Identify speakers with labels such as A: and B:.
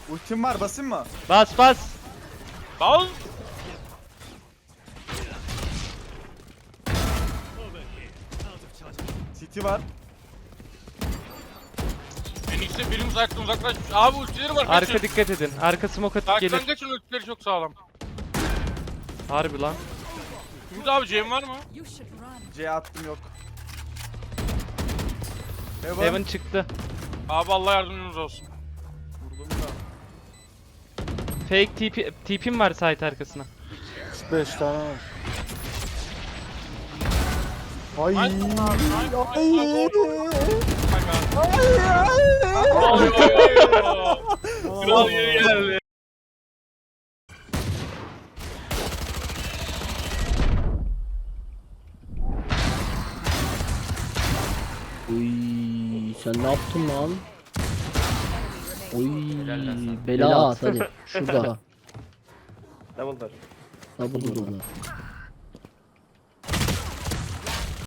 A: Ultim var, basayım mı?
B: Bas bas.
C: Al.
A: City var.
C: Phoenix'e birim uzaklaşmış. Abi ultileri var.
B: Arka
C: Kaçın.
B: dikkat edin. Arka smoke atıp
C: Arkadan
B: gelir.
C: kaçın, ultileri çok sağlam.
B: Harbi lan.
C: Ümit abi Cem var mı?
A: C attım yok.
B: Heaven çıktı.
C: Abi Allah yardımcınız olsun.
A: Vurdum da.
B: Fake TP'm var site arkasına.
D: 5 tane var. Ay.
C: Nice. Kral yeri geldi.
E: Uy, sen ne yaptın lan? Uy, bela at hadi. Şurada.
D: Double door.
E: Double door.